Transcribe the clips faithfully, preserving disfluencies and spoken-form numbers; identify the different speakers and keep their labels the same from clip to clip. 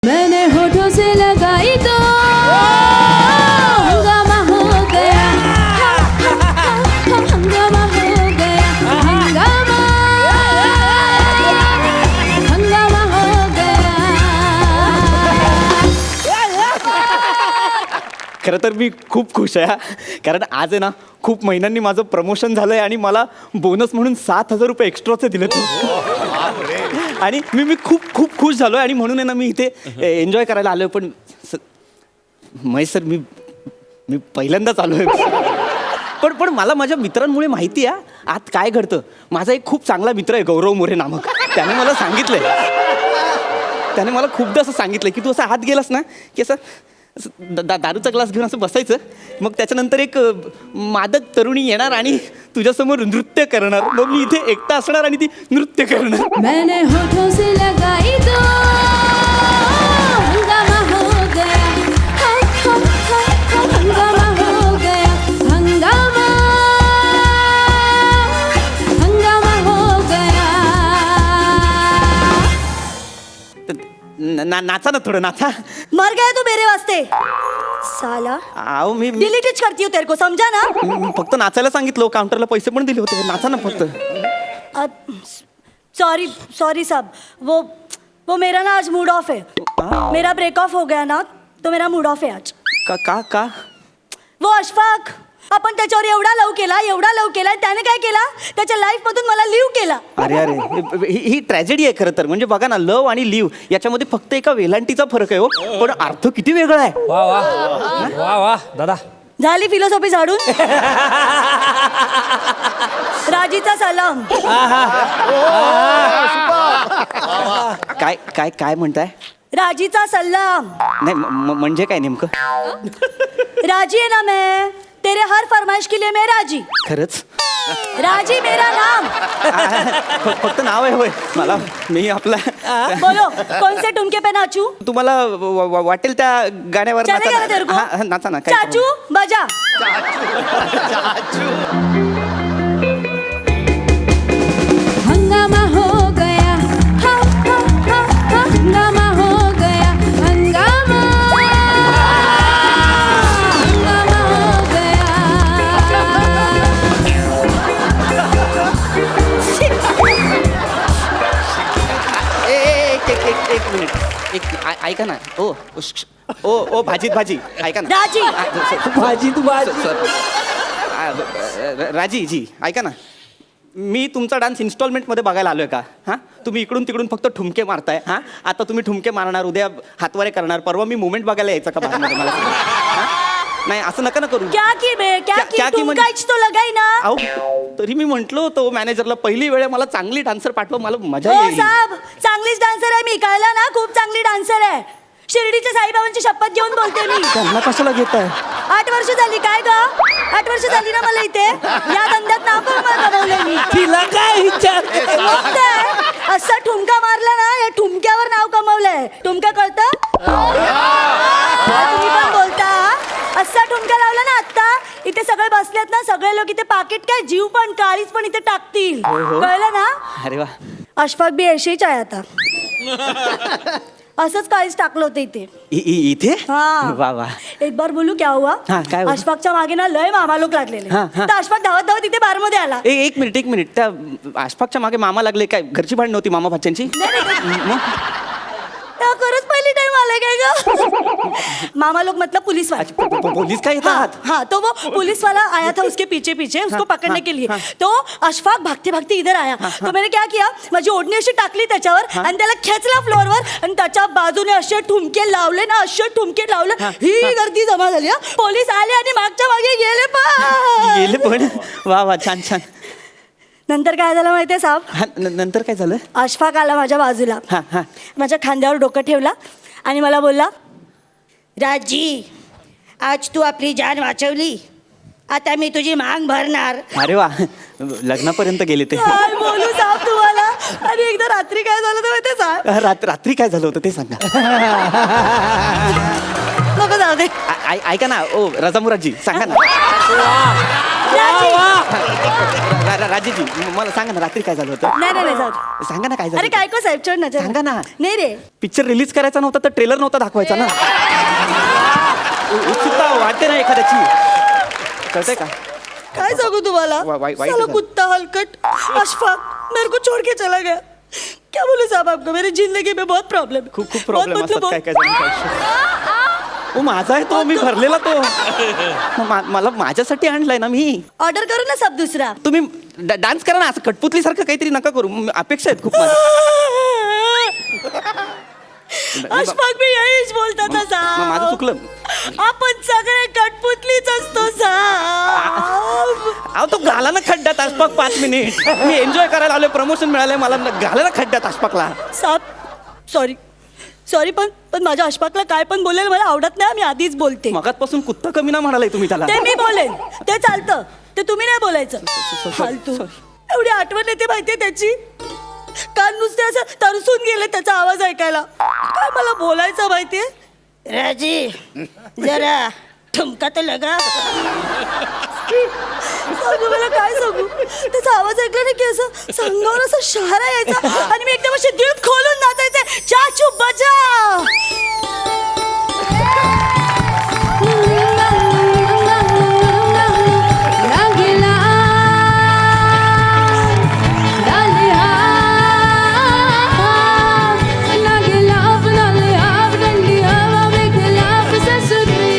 Speaker 1: मैंने होठों से लगाई तो हंगामा हो गया, हंगामा हो गया, हंगामा हंगामा हो गया.
Speaker 2: खरं तर मी खूप खुश आहे हा. कारण आज आहे ना खूप महिन्यांनी माझं प्रमोशन झालंय आणि मला बोनस म्हणून सात हजार रुपये एक्स्ट्राचे दिले तू. आणि मी मी खूप खूप खुश झालो आणि म्हणून आहे ना मी इथे एन्जॉय करायला आलोय. पण स- महेश सर मी मी पहिल्यांदाच आलो आहे. पण पण मला माझ्या मित्रांमुळे माहिती आहे आत काय घडतं. माझा एक खूप चांगला मित्र आहे गौरव मोरे नामक. त्याने मला सांगितलंय त्याने मला खूपदा असं सांगितलंय की तू असं आत गेलास ना की असं असं दा दा- दारूचा ग्लास घेऊन असं बसायचं. मग त्याच्यानंतर एक अ, मादक तरुणी येणार आणि तुझ्यासमोर नृत्य करणार. मग मी इथे एकटा असणार आणि ती नृत्य करणार.
Speaker 1: मैंने होठों से लगाई तो हंगामा हो गया, हा, हा, हा, हा, हंगामा हो गया, हंगामा हंगामा हो गया.
Speaker 2: न- ना नाचा ना थोडं नाचा.
Speaker 3: मर गया तू मेरे वास्ते साला.
Speaker 2: अहो मी मी-
Speaker 3: डिलीट करती हूँ तेरे को, समझा ना.
Speaker 2: मी फक्त नाचायला सांगितलं. काउंटरला पैसे पण दिले होते. नाचा ना फक्त.
Speaker 3: सॉरी सॉरी साहब, वो वो मेरा ना आज मूड ऑफ है. मेरा ब्रेक ऑफ हो गया ना, तो मेरा मूड ऑफ है आज.
Speaker 2: का का का
Speaker 3: वो अशफाक, आपण त्याच्यावर एवढा लव केला एवढा लव केला, त्याने काय केला त्याच्या लाईफ मधून मला लिव्ह केला.
Speaker 2: अरे अरे ही ही ट्रॅजेडी आहे खरं तर. म्हणजे बघा ना लव आणि लिव्ह याच्यामध्ये फक्त एका वेलांटीचा फरक आहे हो. पण अर्थ किती वेगळा आहे.
Speaker 4: वा वा वा वा दादा.
Speaker 3: झाली फिलॉसॉफी झाडून. राजीचा सलाम.
Speaker 2: काय काय काय म्हणताय.
Speaker 3: राजीचा सलाम.
Speaker 2: नाही म- म- म्हणजे काय नेमकं.
Speaker 3: राजी है ना मैं, तेरे हर फरमाइश के लिए मैं राजी.
Speaker 2: खरंच
Speaker 3: राजी मेरा नाम.
Speaker 2: फ- फक्त नाव आहे होय. मला मी आपला
Speaker 3: बोलो कौन से ठुमके पे नाचू.
Speaker 2: तुम्हाला व- व- वाटेल त्या गाण्यावर नाचा
Speaker 3: चलेगा ना
Speaker 2: ना.
Speaker 3: तेरे को?
Speaker 2: हा, हा, नाचा ना काय
Speaker 3: चाचू बजा.
Speaker 1: हंगामा हो गया, हा, हा, हा, हा, हंगामा हो गया, हंगामा हंगामा हो गया.
Speaker 2: ए, ए, एक एक एक एक मिनिट एक आ- ऐका ना. ओ ओ, श- ओ ओ भाजीत भाजी ऐका ना.
Speaker 3: राजी.
Speaker 2: आ, स- स-
Speaker 4: भाजी तू भाजी.
Speaker 2: स- सर आ, र- र- राजी जी ऐका ना. मी तुमचा डान्स इन्स्टॉलमेंटमध्ये बघायला आलोय का. हां तुम्ही इकडून तिकडून फक्त ठुमके मारताय. हां आता तुम्ही ठुमके मारणार, उद्या हातवारे करणार, परवा मी मुवमेंट बघायला यायचं का बाहेरमध्ये मला सांगा. हां? नाही असं नका ना करू.
Speaker 3: क्या की बे क्या
Speaker 2: क्या-
Speaker 3: की
Speaker 2: क्या की म्हणजे-
Speaker 3: ठुमकाच तो लगाई ना.
Speaker 2: अहो तरी मी म्हंटलो होतो मॅनेजरला पहिली वेळ मला चांगली डान्सर पाठवा, मला मजा
Speaker 3: हो
Speaker 2: येईल.
Speaker 3: साहब, चांगलीच डान्सर आहे मी, कळलं ना. खूप चांगली डान्सर आहे. शिर्डीच्या साईबाबांची शपथ घेऊन बोलते मी.
Speaker 2: त्यांना कशाला घेताय.
Speaker 3: आठ वर्ष झाली काय ग. आठ वर्ष झाली ना मला इथे या धंद्यात नाव कमवलंय मी.
Speaker 4: तिला काय विचार.
Speaker 3: मग काय? असं ठुमका मारला ना, या ठुमक्यावर नाव कमवलंय. ठुमका कळतं. तुम्ही पण बोलता. असा ठुमका लावला ना आता इथे सगळे बसलेत ना, सगळे लोक इथे पाकिट काय जीव पण काळीच पण इथे टाकतील. कळलं ना.
Speaker 2: अरे वा.
Speaker 3: अशफाक बी ऐशीच आहे आता. असंच काळीच टाकलं होतं इथे.
Speaker 2: इ- इ- इथे
Speaker 3: हाँ.
Speaker 2: वा वा.
Speaker 3: एक बार बोलू क्या हुआ.
Speaker 2: हाँ, काय हुआ?
Speaker 3: अशफाकच्या मागे ना लय मामा लोक लागलेले.
Speaker 2: हाँ, हाँ.
Speaker 3: तर अशफाक धावत धावत इथे बार मध्ये आला.
Speaker 2: ए एक मिनिट एक मिनिट. त्या आसपासच्या मागे मामा लागले काय. घरची भांडण नव्हती मामा भाच्यांची.
Speaker 3: नाही, नाही,
Speaker 2: मग
Speaker 3: तेव्हा खरंच पहिली टाइम आलाय काय ग. मामा लोग मतलब पुलिस वाले.
Speaker 2: अच्छा, पो- पो- पोलीस काय
Speaker 3: हाँ,
Speaker 2: येतात.
Speaker 3: हाँ, तो वो पुलिस वाला आया था उसके पीछे पीछे उसको पकड़ने के लिए. तो अशफाक भागते भागते इधर आया. तो मैंने क्या किया, माझी ओढणी अशी टाकली त्याच्यावर आणि त्याला खेचला फ्लोअरवर आणि त्याच्या बाजूने असे ठुमके लावले ना, असे ठुमके लावले. ही गर्दी जमा झाली. हा. पोलीस आले आणि मागच्या मागे गेले पण.
Speaker 2: गेले पण. वा वा छान छान.
Speaker 3: नंतर काय झालं माहितीये साहेब.
Speaker 2: हा, न- नंतर काय झालं.
Speaker 3: अशफाक आला माझ्या बाजूला.
Speaker 2: हा हा.
Speaker 3: माझ्या खांद्यावर डोकं ठेवला आणि मला बोलला, राजी आज तू आपली जान वाचवली, आता मी तुझी मांग भरणार.
Speaker 2: अरे वा. लग्नापर्यंत गेले ते.
Speaker 3: काय बोलू साहेब तुम्हाला. आणि एकदा रात्री काय झालं तर माहितीये साहेब.
Speaker 2: रात रात्री काय झालं होतं ते सांगा.
Speaker 3: नको जाऊ दे.
Speaker 2: आ- ऐ- ऐका ना ओ रजामुराजी सांगा ना.
Speaker 3: राजी.
Speaker 2: रा- रा- राजेजी म- मला सांगा ना रात्री काय झालं होतं
Speaker 3: नाही नाही नाही, जाऊ दे.
Speaker 2: सांगा ना काय
Speaker 3: अरे
Speaker 2: झालं
Speaker 3: काय को साहेब चढ ना चढ.
Speaker 2: सांगा ना.
Speaker 3: नाही रे
Speaker 2: पिक्चर रिलीज करायचा नव्हता तर ट्रेलर नव्हता दाखवायचा ना उ- उत्सुकता वाटते ना एखाद्याची कळतंय का
Speaker 3: काय सांगू तुम्हाला
Speaker 2: वा- वाई- वाईट
Speaker 3: साला
Speaker 2: झालं.
Speaker 3: कुत्ता हलकट अशफाक मेरे को छोड़ के चला गया. क्या बोलूं साहब आपको मेरी जिंदगी में बहुत प्रॉब्लम
Speaker 2: खूप खूप प्रॉब्लेम असतात काय काय जणांच्या आयुष्यात. ओ माझा आहे तो मी भरलेला तो मग मा- मला माझ्यासाठी आणलाय ना मी
Speaker 3: ऑर्डर करू ना सब दुसरा.
Speaker 2: तुम्ही डा- डान्स करा ना असं कटपुतली सारखं काहीतरी नका करू म- अपेक्षा आहेत खूप माझ्या
Speaker 3: अशफाक मी यहीच बोलता था
Speaker 2: मग माझं
Speaker 3: साहब.
Speaker 2: चुकलं
Speaker 3: आपण सगळे कटपुतलीच असतो साहब.
Speaker 2: अहो तो घाला ना खड्ड्यात आसपाक पाच मिनिट मी एन्जॉय करायला आलोय प्रमोशन मिळालंय मला न- घाला ना खड्ड्यात आसपाकला
Speaker 3: साहब सॉरी सॉरी पण पण माझ्या अशफाकला काय पण बोलेल मला आवडत नाही मी आधीच बोलते.
Speaker 2: मगातपासून कुत्ता कमी ना म्हणालाय तुम्ही त्याला
Speaker 3: ते मी बोलेन ते चालतं ते तुम्ही नाही बोलायचं.
Speaker 2: sorry,
Speaker 3: फालतू
Speaker 2: sorry.
Speaker 3: एवढी आठवण येते माहितीये त्याची कान नुसते असं तरसून गेले त्याचा आवाज ऐकायला. काय मला बोलायचं माहितीये राजी जरा ठुमका तर लगा. सांगू मला काय सांगू त्याचा आवाज ऐकला ना की असं सांगावर असं शहारा यायचा आणि मी एकदम अशी दिल खोलून नाचायचे चाचू बजाव.
Speaker 1: नागिला डालिया नागिला नालिया डंडिया वेगला ससुरी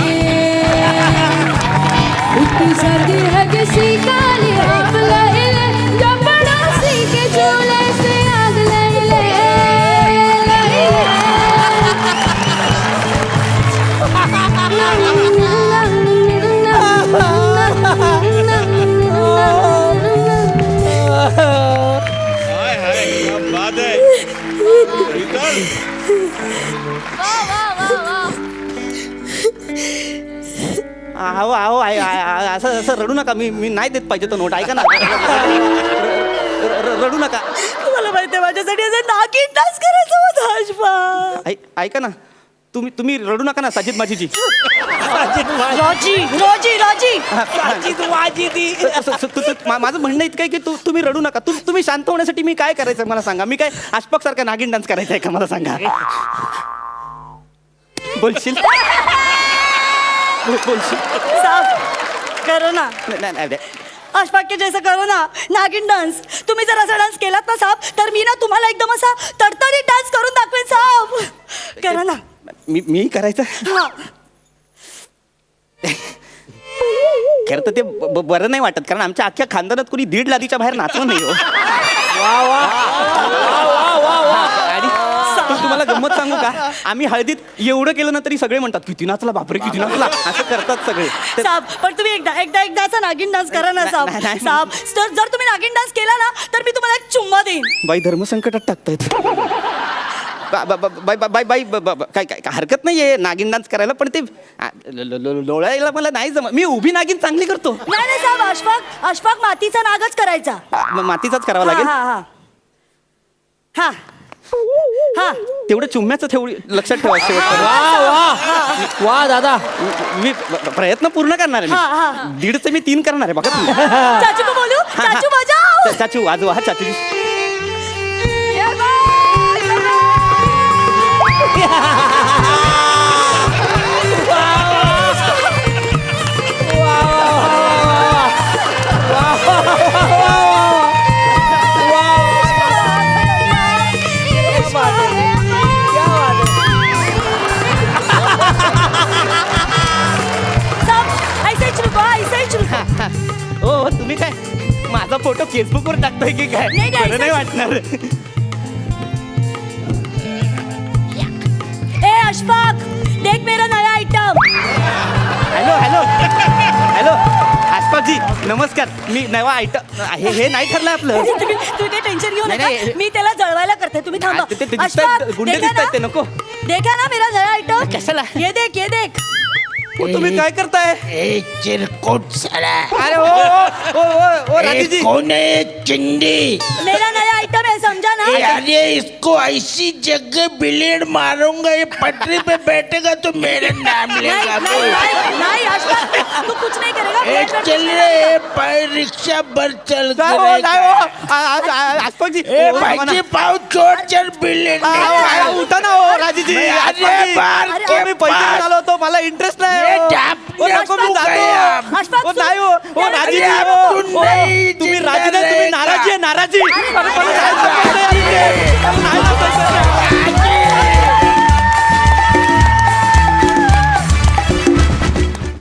Speaker 1: उतनी सर्दी है किसी काली आप ले ले जब पड़ोसी के झूले से आग ले ले
Speaker 5: हाय हाय क्या बात है शीतल
Speaker 2: अहो अहो आय- आय- आय- असं असं रडू नका मी मी नाही देत पाहिजे तो नोट ऐका ना र- र- रडू नका
Speaker 3: तुम्हाला माहितीये माझ्यासाठी असं नागिन डान्स करायचं होतं अशफाक.
Speaker 2: ऐ- ऐका ना तुम्ही तुम्ही रडू नका ना साजिद माझीजी
Speaker 3: राजी राजी राजी
Speaker 2: स- स- स- तु- तु- मा- माझं म्हणणं इतकं आहे की तू तुम्ही रडू नका तू तुम्ही शांत होण्यासाठी मी काय करायचं मला सांगा मी काय आशपाक सारखा नागिन डान्स करायचा आहे का मला सांगा बोलशील बोल- बोलशील
Speaker 3: साफ करो ना
Speaker 2: नाही, नाही, नाही, नाही.
Speaker 3: अशफाक के जैसा करो ना नागिन डान्स. तुम्ही जर असा डान्स केलात ना साहेब तर मी ना तुम्हाला एकदम असा तडतडीत डान्स करून दाखवेन साहेब. करा ना
Speaker 2: मी मी करायचं
Speaker 3: हा
Speaker 2: खरं तर ते ब- ब- बरं नाही वाटत कारण आमच्या अख्ख्या खानदानात कोणी दीड लादीच्या बाहेर नाचलं नाही हो आणि पण तुम्हाला गंमत सांगू का आम्ही हळदीत एवढं केलं ना तरी सगळे म्हणतात किती नाचला बापरे किती नाचला असं करतात सगळे तर
Speaker 3: साहेब पण तुम्ही एकदा एकदा एकदा असा नागिन डान्स करा ना
Speaker 2: नाही,
Speaker 3: साहेब
Speaker 2: नाही.
Speaker 3: साहेब तर जर तुम्ही नागिन डान्स केला ना तर मी तुम्हाला एक चुम्मा देईन.
Speaker 2: बाई धर्मसंकटात टाकतायत बा- बा- बा- बाई बाई बाई ब- ब- ब- काय काय काय हरकत नाहीये नागिन डान्स करायला पण ते आ, ल- ल- ल- लोळायला मला नाही जम मी उभी नागिन चांगली करतो
Speaker 3: नाही नाही साहेब अशफाक अशफाक मातीचा नागच करायचा.
Speaker 2: आ, म- मातीचाच करावा
Speaker 3: हा
Speaker 2: लागेल
Speaker 3: हा हा हा हा
Speaker 2: तेवढं चुम्म्याचं तेवढी लक्षात ठेवा शेवट
Speaker 4: वा वा वा दादा
Speaker 2: मी प- प्रयत्न पूर्ण करणार आहे
Speaker 3: हा, हा,
Speaker 2: मी.
Speaker 3: हा.
Speaker 2: दीडचे मी तीन करणार आहे बघा तुम्ही
Speaker 3: चाचू को बोलू
Speaker 2: हा, हा.
Speaker 3: चाचू बजाव.
Speaker 2: चा- चाचू वाजवा हा चाचू
Speaker 3: साहब ऐसे ही रुको ऐसे ही रुको.
Speaker 2: हो तुम्ही काय माझा फोटो फेसबुकवर टाकतोय की काय
Speaker 3: नाही, नाही,
Speaker 2: बरं नाही वाटणार
Speaker 3: ए अशफाक देख मेरा नया आइटम.
Speaker 2: हॅलो हॅलो हॅलो आसपासजी नमस्कार मी नवा आयटम हे हे नाही ठरलं आपलं
Speaker 3: तुम्ही तुम्ही काही टेन्शन घेऊ
Speaker 2: नाही,
Speaker 3: नका
Speaker 2: नाही.
Speaker 3: मी त्याला जळवायला करते तुम्ही थांबा.
Speaker 2: ते- ते- ते दिसतायत,
Speaker 3: अशफाक,
Speaker 2: गुंडे
Speaker 3: देखा
Speaker 2: दिसतायत
Speaker 3: ना?
Speaker 2: ते, नको.
Speaker 3: देखा ना मेरा नया आइटम
Speaker 2: कशाला?
Speaker 3: ये देख ये देख
Speaker 2: ओ, तुम्ही काय करताय
Speaker 6: ए चिरकुट साला
Speaker 2: अरे ओ ओ, ओ, ओ, ओ
Speaker 6: ए,
Speaker 2: राजीजी
Speaker 6: कौन है ये चिंडी
Speaker 3: मेरा नया आइटम है समझा ना
Speaker 6: ए, अरे इसको ऐसी जगह ब्लेड मारूंगा ये पटरी पे बैठेगा तो मेरा नाम
Speaker 3: नहीं
Speaker 6: लेगा
Speaker 3: नहीं नहीं नहीं अशफाक तू कुछ नहीं करेगा
Speaker 6: ए
Speaker 3: ब्लेड पर
Speaker 6: चल
Speaker 3: कुछ नहीं
Speaker 6: रे
Speaker 3: करेगा।
Speaker 6: पाय रिक्शा बर चल
Speaker 2: नाही हो, नाही हो. आ- आ- आ- आसपासजी.
Speaker 6: ए
Speaker 2: ओ,
Speaker 6: भाईजी पाव छोड़ चल ब्लेड
Speaker 2: आ- आ- आ- उठा ना हो राजीजी
Speaker 6: अरे
Speaker 2: आसपासजी.
Speaker 6: बार
Speaker 2: अरे,
Speaker 6: के
Speaker 2: मी पैसे
Speaker 6: पास.
Speaker 2: घेऊन आलो होतो मला इंटरेस्ट नाही
Speaker 6: ये
Speaker 2: हो.
Speaker 6: डाप-
Speaker 2: ओ, नको, मी
Speaker 6: तू
Speaker 2: जातो.
Speaker 6: गया.
Speaker 3: अशफाक,
Speaker 2: ओ, नाही हो ओ,
Speaker 3: अरे,
Speaker 2: राजीजी
Speaker 6: अब
Speaker 2: हो.
Speaker 6: तू
Speaker 2: ओ,
Speaker 6: नहीं
Speaker 2: तुम्ही
Speaker 6: जिंदा
Speaker 2: राजी नाही तुम्ही
Speaker 6: रहेगा.
Speaker 2: नाराजी आहे नाराजी अरे, मला जायचं